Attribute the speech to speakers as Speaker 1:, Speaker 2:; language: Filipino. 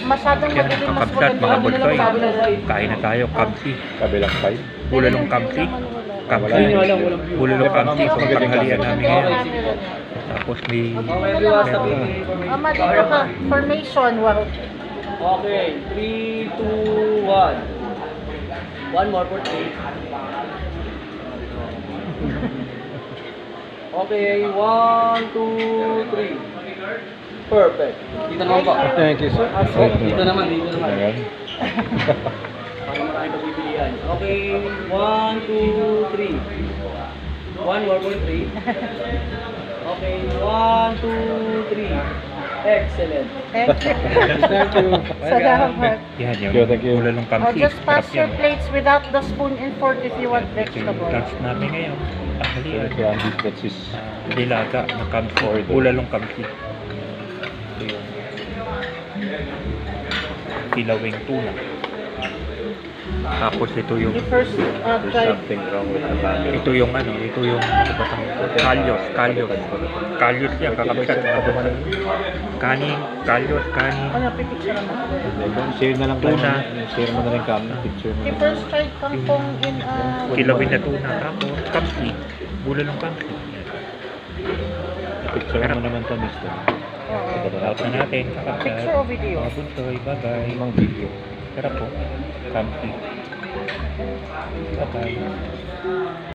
Speaker 1: masyadong
Speaker 2: Yan,
Speaker 1: madilim, mas
Speaker 2: kakabsat, mga
Speaker 1: maganda.
Speaker 2: bulsoy. Kain na tayo, kamsi.
Speaker 3: Kabilang side.
Speaker 2: Bulalong kamsi. Kamsi. Bulalong kamsi. Kung tanghalian namin ngayon. Tapos may...
Speaker 1: Ama, dito ka. Formation, wow.
Speaker 4: Okay, 3, 2, 1. One more for 3. Okay, 1, 2, 3. Perfect. Dito naman po.
Speaker 3: Thank you, sir.
Speaker 4: Dito naman.
Speaker 3: Ayan.
Speaker 4: Para maraming pagpipilian. Okay, 1, 2, 3. One more for 3. Okay, 1, 2, 3. Excellent.
Speaker 1: Thank you.
Speaker 3: Thank you.
Speaker 1: Salamat.
Speaker 2: Yan,
Speaker 3: Thank you, thank you.
Speaker 2: bulalong
Speaker 1: Oh,
Speaker 2: kamsi.
Speaker 1: just pass
Speaker 2: Sarap
Speaker 1: your
Speaker 2: yan.
Speaker 1: plates without the spoon and fork if you want
Speaker 2: Ito yung
Speaker 1: vegetable.
Speaker 2: lunch namin ngayon. Tanghalian.
Speaker 3: That's his...
Speaker 2: Dilaga na kamsi. Bulalong kamsi. Ito yung kilawing tuna. Tapos ito yung
Speaker 1: The first
Speaker 3: There's
Speaker 1: try.
Speaker 3: something wrong with the family.
Speaker 2: ito yung ano kalyos yan, kakabsat. Kanin, kalyos, kanin.
Speaker 1: Ano, pipicture naman.
Speaker 3: Share na lang
Speaker 2: Tuna.
Speaker 3: Share mo na rin kami. Picture mo
Speaker 1: The
Speaker 3: na.
Speaker 1: first tried kangkong in
Speaker 2: Kilawin na tuna. Tapos kamsi. Bulalong kamsi.
Speaker 3: Picture mo naman to, mister.
Speaker 2: Out na natin, kakabsat.
Speaker 1: Picture o video?
Speaker 2: Mga bunsoy, bye-bye.
Speaker 3: Ibang video.
Speaker 2: Sarap po. Kamsi. Bye-bye.